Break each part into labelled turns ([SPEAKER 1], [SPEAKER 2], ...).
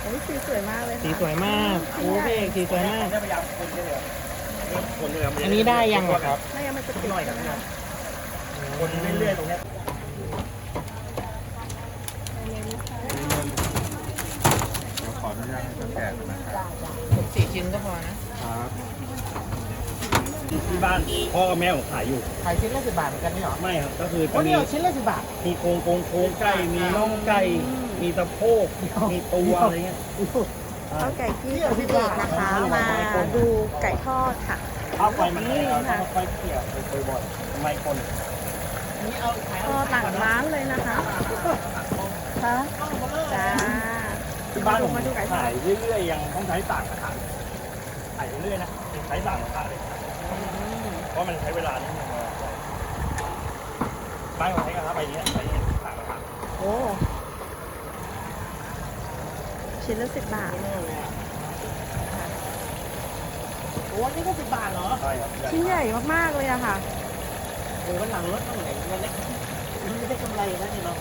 [SPEAKER 1] อ้ยสีสวยมากเลยค่ะ
[SPEAKER 2] สีสวยมากโอ้พี่เอกสีสวยมาก
[SPEAKER 3] พยายามคนเลยคนเลย
[SPEAKER 2] อันนี้ได้ยังอะครับ
[SPEAKER 1] ไม่งั้นมันจะติด
[SPEAKER 3] หน่อยครับ
[SPEAKER 1] นะคะ
[SPEAKER 3] คนเรื่อยๆตรงเนี้ย
[SPEAKER 4] ขออนุญาตให้แกะนะครับ
[SPEAKER 2] 4 ชิ้นก็พอนะครับ
[SPEAKER 3] ที่บ้านพ่อกับแม่ผมขายอยู่
[SPEAKER 2] ขายชิ้นละ10 บาทเหมือนกันนี่หรอ
[SPEAKER 3] ไม่ครับก็คือ
[SPEAKER 2] โอ้
[SPEAKER 3] จะ
[SPEAKER 2] นี่
[SPEAKER 3] มี
[SPEAKER 2] เหรอชิ้นละ10 บาท
[SPEAKER 3] มีโครงไก่มีน่องไก่มีสะโพกมีตัวอะไรเงี้ย
[SPEAKER 1] ข้าวไก่ที่กับพี่เอกนะคะ มาดูไก่ทอดค่ะ
[SPEAKER 3] ข้าวไฟมันแรงเราต้องค่อยๆเขี่ยไปบ่อยๆทำไมคน
[SPEAKER 2] นี่เอาขาย
[SPEAKER 1] ทอดหลังร้านเลยนะคะค่ะจ้า
[SPEAKER 3] ที่บ้านผม
[SPEAKER 1] มาดูไก่ทอ
[SPEAKER 3] ขา
[SPEAKER 1] ด
[SPEAKER 3] ยเรื่อยๆยังต้องใช้ต่างกระถางขายเรื่อยๆนะใช้ต่างกระถางเลยเพราะมันใช้เวลานิดนึงบ้านผมใช้กระทะใบนี้ใช้ต่างกระถาง
[SPEAKER 1] โอ้ชิ้นละ10 บาท
[SPEAKER 2] โอ้นี่ก็10 บาทเหรอ
[SPEAKER 3] ใช่ครับ
[SPEAKER 1] ชิ้นใหญ่มากๆเลยอะค่ะ
[SPEAKER 2] โอ้วันหลังรถต้องไหนเงินเล็กมันไม่ได้กำไรนะนี่เนาะ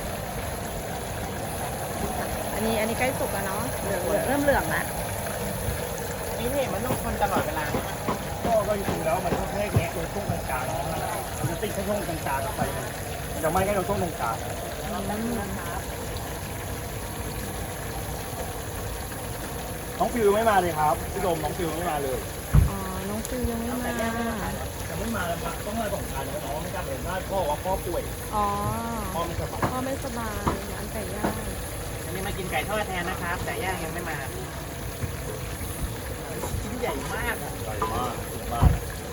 [SPEAKER 1] อันนี้ใกล้สุกแล้วเนาะเริ่มเหลืองแล้ว
[SPEAKER 2] นี่พี่มันต้องคนตลอดเวลา
[SPEAKER 3] ก็จริงๆแล้วมันก็แค่แงะตรงช่วงกลางๆมันจะติดแค่ช่วงกลางๆกับไฟมันจะไม่แค่ตรงช่วงตรงกลางน้องฟิวไม่มาเลยครับพี่โดมน้องฟิวไม่มาเลย
[SPEAKER 1] อ๋อ น้องฟิวยังไม่มา
[SPEAKER 3] ยังไม่มาแล้วต้องมา2 คันเพราะน้องไม่กล้าเห็นว่าพ่อว่าพ่อป่วย
[SPEAKER 1] อ๋อ
[SPEAKER 3] พ่อไม่สบาย
[SPEAKER 1] พ่อไม่สบายร้านไก่ย่าง
[SPEAKER 2] อันนี้มากินไก่ทอดแทนนะครับแต่ย่างยังไม่มาชิ้นใหญ่มากอ่ะ
[SPEAKER 3] ใหญ่มากมาก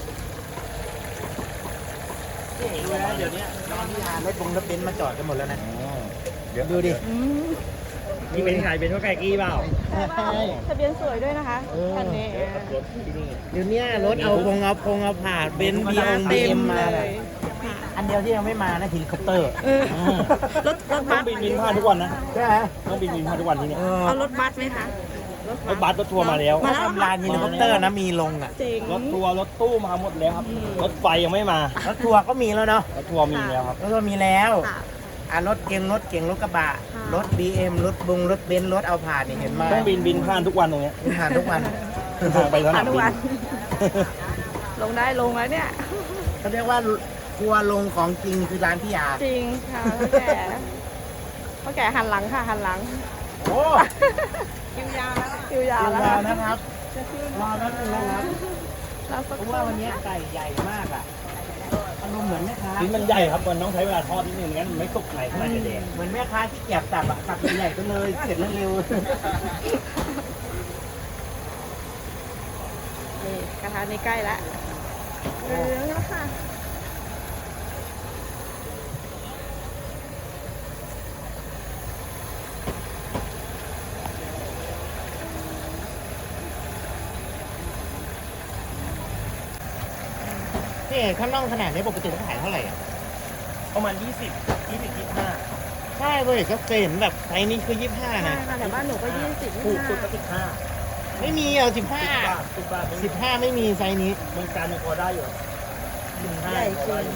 [SPEAKER 2] พี่เอกดูนะเดี๋ยวนี้นอนที่ทานรถเบนซ์มาจอดกันหมดแล้วนะ
[SPEAKER 4] เดี๋ยว
[SPEAKER 2] ดูดิ
[SPEAKER 1] อืม
[SPEAKER 3] นี่เป็นใครเป็นว่าไก่กี้เปล่า
[SPEAKER 1] ใช่ป่ะทะเบียนสวยด้วยนะคะคันนี้
[SPEAKER 3] รถที่นี่
[SPEAKER 2] เดี๋ยวนี้รถเอาผ่าเบนซ์บี
[SPEAKER 1] เต็ม
[SPEAKER 2] มา
[SPEAKER 1] เลย
[SPEAKER 2] อันเดียวที่ยังไม่มานะเฮลิคอปเตอร์
[SPEAKER 1] รถ
[SPEAKER 3] ต้
[SPEAKER 1] บั
[SPEAKER 3] อง
[SPEAKER 1] ส
[SPEAKER 3] บินผ่านทุกวันนะ
[SPEAKER 2] ใช่ไหม
[SPEAKER 3] ต้องบินผ่านทุกวันที่นี่
[SPEAKER 1] เอารถบัสไหมคะ
[SPEAKER 3] รถบัสรถทัวร์มาแล้ว
[SPEAKER 2] มาทำลานเฮลิคอปเตอร์นะมีลงอ่ะ
[SPEAKER 1] เจ๋ง
[SPEAKER 3] รถทัวร์รถตู้มาหมดแล้วครับ รถไฟยังไม่มาร
[SPEAKER 2] ถทัวร์ก็มีแล้วเนาะ
[SPEAKER 3] รถทัวร์มีแล้วครับ
[SPEAKER 2] รถทัวร์มีแล้ว
[SPEAKER 1] ค่ะ
[SPEAKER 2] รถเก๋งรถกระบะ
[SPEAKER 1] ค่ะ
[SPEAKER 2] รถ BM รถรถเบนซ์รถเอาผ่านนี่เห็นไหม
[SPEAKER 3] ต้องบินผ่านทุกวันตรงเนี้ย
[SPEAKER 2] ผ่านทุกวัน
[SPEAKER 3] ทางไปสนาม
[SPEAKER 1] ทุก
[SPEAKER 3] บิ
[SPEAKER 1] วัน
[SPEAKER 3] น
[SPEAKER 1] ลงได้ลงแล้วเนี่ย
[SPEAKER 2] เขาเรียกว่าทัวร์ลงของจริงคือร้านพี่ยา
[SPEAKER 1] จริงค่ะพ่อแก่หันหลังค่ะหันหลัง
[SPEAKER 2] โอ้
[SPEAKER 1] คิวยาวแล้วคิวยาว
[SPEAKER 2] ย
[SPEAKER 1] แล้ว
[SPEAKER 2] าวนะครับรอแป๊บนึงนะครับ
[SPEAKER 1] เราสัก
[SPEAKER 2] เพราะว่าวันนี้ไก่ใหญ่มากอ่ะอารมณ์เหมือนแม่ค้า
[SPEAKER 3] ชิ้นมันใหญ่ครับมันต้องใช้เวลาทอดนิดนึงงั้นมันไม่สุกในขนาดจะแดง
[SPEAKER 2] เหมือนแม่ค้าที่เก็บตับอ่ะตับใหญ่ๆก็เลยเสร็จแล้วเร็ว
[SPEAKER 1] นี่กระทะนี่ใกล้แล้วเหลืองแล้วค่ะ
[SPEAKER 2] นี่ข้างนอกขนาดนี้ปกติเขาขายเท่าไหร่อ่ะ
[SPEAKER 3] ประมาณ25
[SPEAKER 2] ใช่เว้ยก็เคยเห็นแบบไซส์นี้คือ25
[SPEAKER 1] ใช่
[SPEAKER 2] นะ
[SPEAKER 1] ค่ะแต่บ้านหนูก็20
[SPEAKER 3] ถูกสุดก็
[SPEAKER 2] ไม่มีเอา
[SPEAKER 3] 15 10 บาท
[SPEAKER 2] 15ไม่มีไซส์นี้
[SPEAKER 3] เมืองการยังพอได้อยู่15
[SPEAKER 1] ใหญ่จริง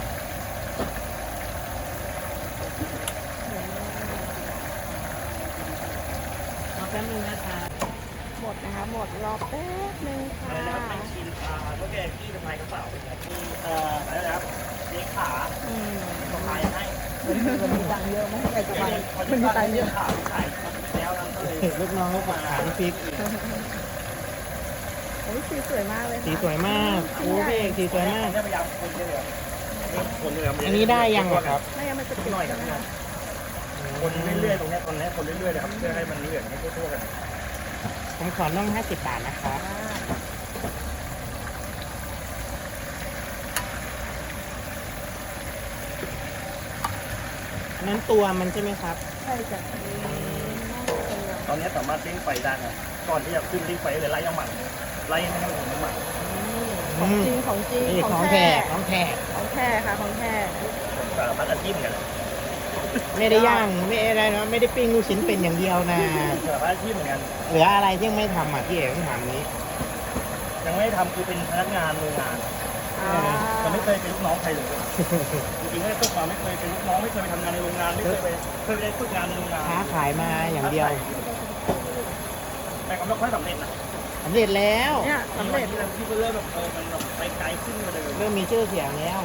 [SPEAKER 2] รอแป๊บนึงนะคะ
[SPEAKER 1] หมดนะคะ หมดรอแป๊บนึงค่ะ
[SPEAKER 3] อะไรนะครับเป็นชิ้นเท่าแก่ที่สะพายกระเป๋าเป็นไงที่อะไรนะครับเลี้ยงขา
[SPEAKER 1] อืม
[SPEAKER 3] สะพายให้
[SPEAKER 1] มันมีตังค์เยอะไหมไก่สบาย
[SPEAKER 3] มันมีตังค์เยอะขาขายแล้วนั้นก็เลย
[SPEAKER 2] ลูกน้องเขาฝากขายพริก
[SPEAKER 1] โอ้ยสีสวยมากเลย
[SPEAKER 2] สี
[SPEAKER 1] ค่ะ
[SPEAKER 2] สวยมากโอ้พี่เอกสีสวยมาก
[SPEAKER 3] พยายามคนเลยคนเลย
[SPEAKER 2] อันนี้ได้ยังอะครับ
[SPEAKER 1] ไม่งั้นมันจะติด
[SPEAKER 3] หน่อยค
[SPEAKER 1] ใช่
[SPEAKER 3] รับ
[SPEAKER 1] ไหมคะ
[SPEAKER 3] คนเรื่อยๆตรงนี้คนนี้คนเรื่อยๆเลยครับเพื่อให้มันเหลืองให้ทั่วๆกัน
[SPEAKER 2] ผมขอน่อง50 บาทนะครับ นั้นตัวมันใช่ไหมครับ
[SPEAKER 1] ใช่จ้ะ
[SPEAKER 3] ตอนนี้สามารถเล่งไฟได้นะก่อนที่จะขึ้นเล่งไฟเลยไล่น้ำมันไล่ให้มันน้ำมัน
[SPEAKER 1] ของจริงของจริง
[SPEAKER 2] นี่ของแท้ของแท้
[SPEAKER 1] ของแท้ค่ะของแท้
[SPEAKER 3] สารพัดอาชีพกัน
[SPEAKER 2] ไม่ได้ย่างไม่อะไรนะไม่ได้ปิ้งลูกชิ้นเป็นอย่างเดียวนะ
[SPEAKER 3] สารพัดอาชีพเหมือนกัน
[SPEAKER 2] เหลืออะไรที่ไม่ทำอ่ะพี่เอกต้องถามนี้
[SPEAKER 3] ยังไม่ทำคือเป็นพนักงานโรงงาน
[SPEAKER 1] อ่า
[SPEAKER 3] แต่ไม่เคยเป็นลูกน้องใครเลยจริงๆไม่ได้ฝึกมาไม่เคยเป็นลูกน้องไม่เคยไปทำงานในโรงงานไม่เคยไปได้ฝึกงานในโรงงาน
[SPEAKER 2] ค้าขายมาอย่างเดียว
[SPEAKER 3] แต่ก็ไม่ค่อยสำเร็จนะ
[SPEAKER 2] สำเร็จแล้ว
[SPEAKER 1] เนี่ยสำเร็จ
[SPEAKER 3] ที่เริ่มแบบมันแบบไปไกลขึ้นกว่าเดิม
[SPEAKER 2] เริ่มมีชื่อเสียงแล้ว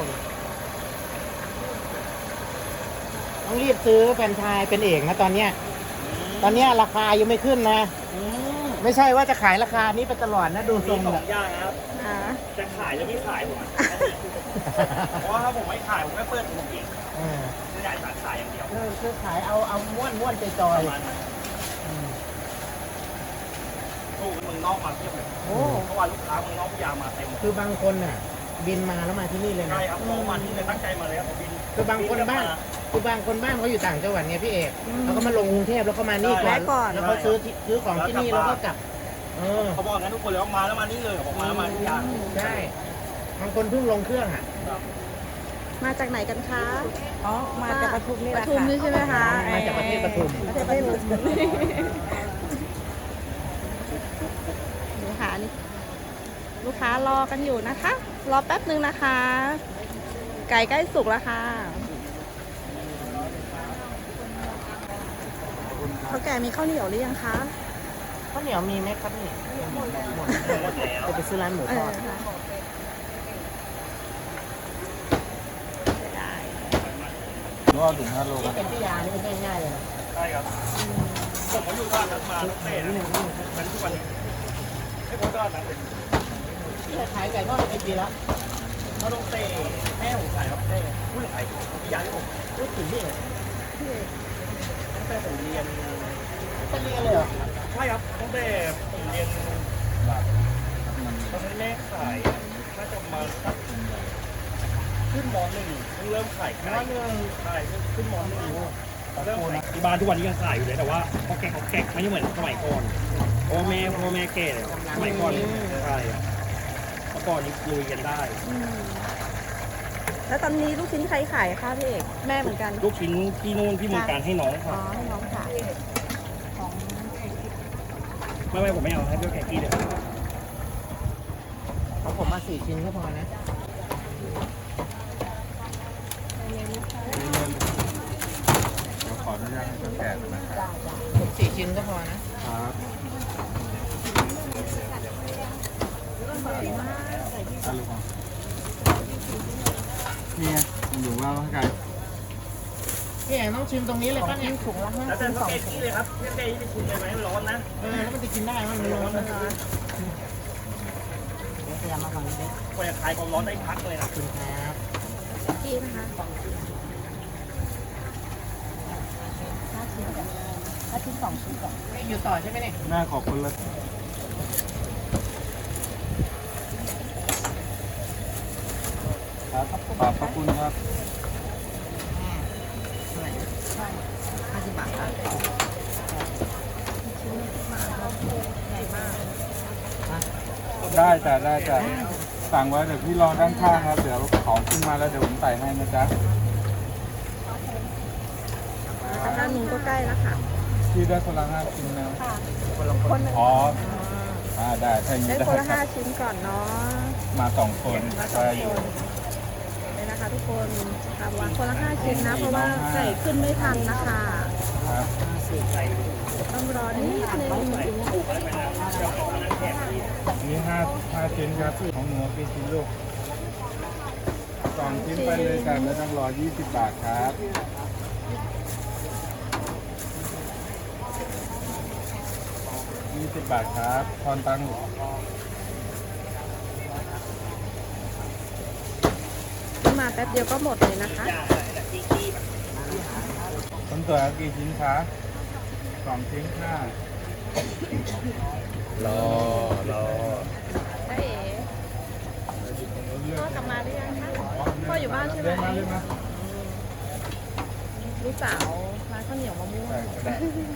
[SPEAKER 2] ต้องรีบซื้อแฟรนไชส์เป็นเอกนะตอนเนี้ยราคายังไม่ขึ้นนะ ไม่ใช่ว่าจะขายราคานี้ไปตลอดนะดูทรง
[SPEAKER 3] มีสอ
[SPEAKER 2] แบ
[SPEAKER 3] ง
[SPEAKER 2] บ
[SPEAKER 3] อย่างนะครับ
[SPEAKER 1] อ่า
[SPEAKER 3] จะขายหรือไม่ขายผมเพราะว่าถ้าผมไม่ขายผมไม่เปิดผมเองจะใหญ่สาขายอย่างเดียว
[SPEAKER 2] คือขายเอาม้วนจอย
[SPEAKER 3] ประมาณนั้นตู้เมืองนอกมาเทียบเลย
[SPEAKER 2] ๆโอ้
[SPEAKER 3] เพราะว่าลูกค้าเมืองนอกพยายามมาเต็ม
[SPEAKER 2] คือบางคนน่ะ บินมาแล้วมาที่นี่เลยนะ
[SPEAKER 3] ใช่ครับมองมาที่เลยตั้งใจมาเลยครับผมบิน
[SPEAKER 2] คือบางคนบ้านเขาอยู่ต่างจังหวัดไงพี่เอกเขาก็มาลงกรุงเทพแล้วก็มานี่ก่อน
[SPEAKER 1] แวะก่อน
[SPEAKER 2] แล้วเขาซื้อของที่นี่แล้วก็กลับ
[SPEAKER 3] เขาบอกงั้นทุกคนเลยว่ามาแล้วมานี่เลยบอกมาแล้วมาทุกอย่าง
[SPEAKER 2] ใช่บางคนเพิ่งลงเครื่องอ่ะ
[SPEAKER 1] มาจากไหนกันคะ
[SPEAKER 5] อ๋อ มาจากปทุมนี่
[SPEAKER 1] ป
[SPEAKER 5] แหละ
[SPEAKER 1] ทุม
[SPEAKER 5] ค่ะ
[SPEAKER 1] นี่ใช่ไหมคะ
[SPEAKER 2] มาจากประเทศปทุม
[SPEAKER 1] ประเทศปทุมนี่ค่ะนี่ลูกค้ารอกันอยู่นะคะ รอแป๊บนึงนะคะ ไก่ใกล้สุกแล้วค่ะเขาแก่มีข้าวเหนียวหรือยังคะ
[SPEAKER 2] ข้าวเหนียวมีไหมครับนี่หมดจะไปซื้อร้านหมู
[SPEAKER 1] เอ
[SPEAKER 2] ท
[SPEAKER 1] อ
[SPEAKER 2] อด
[SPEAKER 1] ค่ะเสียดาย
[SPEAKER 4] รอถึง5 โล
[SPEAKER 2] ที่เป็นพิยานี่ไม่ง่ายๆเลยนะ
[SPEAKER 3] ใช่ครับผมก็อยู่บ้านนั้นมาตั้งแต่นั้นทุกวันนี้ให้ผมก็นั้นเลย
[SPEAKER 2] ขายไก่ทอดเป็นปีแล้ว
[SPEAKER 3] เขาต้องเตะแม่ผมขายครับเตะผู้ขายพี่ยาที่ผม
[SPEAKER 2] รู้ถึงนี่
[SPEAKER 3] ตั้งแต่ผมเรียน
[SPEAKER 2] จะเรียนเลยเหรอ
[SPEAKER 3] ใช่ครับตั้งแต่ผมเรียนตอนนี้แม่ขายน่าจะมาสักขึ้นม.1เพิ่งเริ่มขายไก่ใช่ขึ้นม.1เริ่มขายที่บ้านทุกวันนี้ยังขายอยู่เลยแต่ว่าพอแกะไม่เหมือนสมัยก่อนพ่อแม่แก่เลยสมัยก่อนใช่เมื่อก่อนนี้ลุยกันได้
[SPEAKER 1] แล้วตอนนี้ลูกชิ้นใครขายคะพี่เอกแม่เหมือนกัน
[SPEAKER 3] ลูกชิ้นที่นู่นที่เมืองการให้น้อง
[SPEAKER 1] อ๋อ
[SPEAKER 3] ค่ะ
[SPEAKER 1] ให้น้องขาย
[SPEAKER 3] ไม่ผมไม่เอาให้เพื่อนแขกกี้เลย
[SPEAKER 2] ของผมมา4 ชิ้นก็พอนะ
[SPEAKER 4] ขออนุญาตให้เขาแกะนะครับ
[SPEAKER 2] ผม4 ชิ้นก็พอนะ
[SPEAKER 4] ครับอะลูกนี่ไงผมดูว่าไก่
[SPEAKER 2] พี่เอกต้องชิมตรงนี้เลยป่ะเนี่ยถุงละ
[SPEAKER 3] แล้วแต่เพื่อนแขกกี้เลยครับเพื่อนแขกกี้จะชิมเลยไหมร้อนนะ
[SPEAKER 2] แล้วมันจะกินได้มันร้อนนะพยายามมาฝั่งนี้ดิ
[SPEAKER 3] กว่าจะคลายความร้อนได้พักเลยนะ
[SPEAKER 2] คุณครับ
[SPEAKER 1] ที่นะคะ
[SPEAKER 5] ถ้าชิ้น2 ชิ้นก่อน
[SPEAKER 2] อยู่ต่อใช่ไหมเนี่ย
[SPEAKER 4] น่าขอบคุณเลยครับขอบคุณครับ
[SPEAKER 2] เท่าไหร่นะ50 บาทครับ
[SPEAKER 4] ได้จ้ะได้จ้ะสั่งไว้เดี๋ยวพี่รอด้านข้างครับ เดี๋ยวของขึ้นมาแล้วเดี๋ยวผมใส่ให้นะจ๊ะ
[SPEAKER 1] แล้วด้านนู้นก็ใกล้แล้วค่ะ
[SPEAKER 4] พี่ได้คนละ5 ชิ้นนะ
[SPEAKER 2] คนละคน
[SPEAKER 4] อ๋อได้ถ้าอย่าง
[SPEAKER 1] ได้
[SPEAKER 4] นี้ได้
[SPEAKER 1] คนละ
[SPEAKER 4] ครับ
[SPEAKER 1] 5 ชิ้นก่อนเนาะ
[SPEAKER 4] มา2 คน
[SPEAKER 1] มาสอ
[SPEAKER 4] ได้
[SPEAKER 1] ง
[SPEAKER 4] อ
[SPEAKER 1] ค
[SPEAKER 4] ยู่
[SPEAKER 1] นเลยนะคะทุกคนทำวางคนละ5 ชิ้นนะ เพราะว่าไก่ขึ้นไม่ทันนะคะ
[SPEAKER 4] ครับ
[SPEAKER 1] ต้องรอนิดนึง
[SPEAKER 4] นี่5 ชิ้นครับของหนูกี่ชิ้นลูก2 ชิ้นไปเลยกันไม่ต้องรอ20 บาทครับ20 บาทครับทอนตังค์
[SPEAKER 1] มาแป๊บเดียวก็หมดเลยนะคะ
[SPEAKER 4] คนสวยเอากี่ชิ้นคะ2 ชิ้นค่ะรอ
[SPEAKER 1] ใช่พ่อกลับมาหรือยังคะพ่ออยู่บ้านใช่ไหม
[SPEAKER 4] เรียกมาเรียกมา
[SPEAKER 1] ลูกสาวร้านข้าวเหนียวมะม่วง
[SPEAKER 4] ได้ก็ได้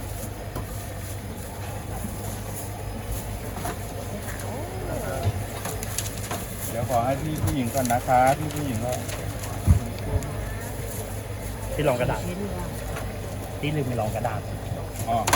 [SPEAKER 4] เดี๋ยวขอให้พี่ผู้หญิงก่อนนะคะพี่ผู้หญิงก็
[SPEAKER 3] ที่รองกระดาษที่ลืมไปรองกระดาษ
[SPEAKER 4] อ๋อ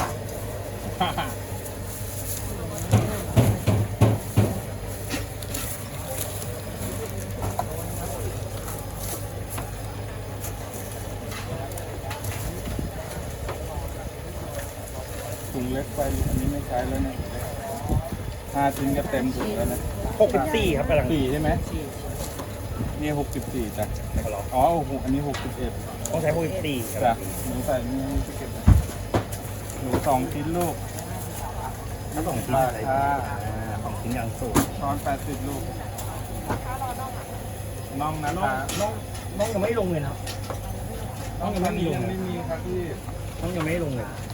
[SPEAKER 4] ถุงเล็กไปอันนี้ไม่ใช้แล้วเนี่ย5 ชิ้นก็เต็มถุงแล้วนะ
[SPEAKER 3] 64ครับกำลัง
[SPEAKER 4] 4ใช่ไหมนี่64จ้ะ
[SPEAKER 3] นะครับเหรอ
[SPEAKER 4] อ๋อโอ้โหอันนี้61
[SPEAKER 3] ต้องใช้64ครับ
[SPEAKER 4] จ้ะหนูใส่นี่จะเก็บหนู2 ชิ้นลูก
[SPEAKER 3] ถ้า2 ชิ้นอะไร2 ชิ้นอย่างสูง
[SPEAKER 4] ช้อน80 ลูกน่องนะ
[SPEAKER 3] น้อง
[SPEAKER 4] คะ
[SPEAKER 3] ยังไม่ลงเลยนะ
[SPEAKER 4] น่องตอนนี้ยังไม่มีครับพี่
[SPEAKER 3] น้องยังไม่ลงเลย
[SPEAKER 4] น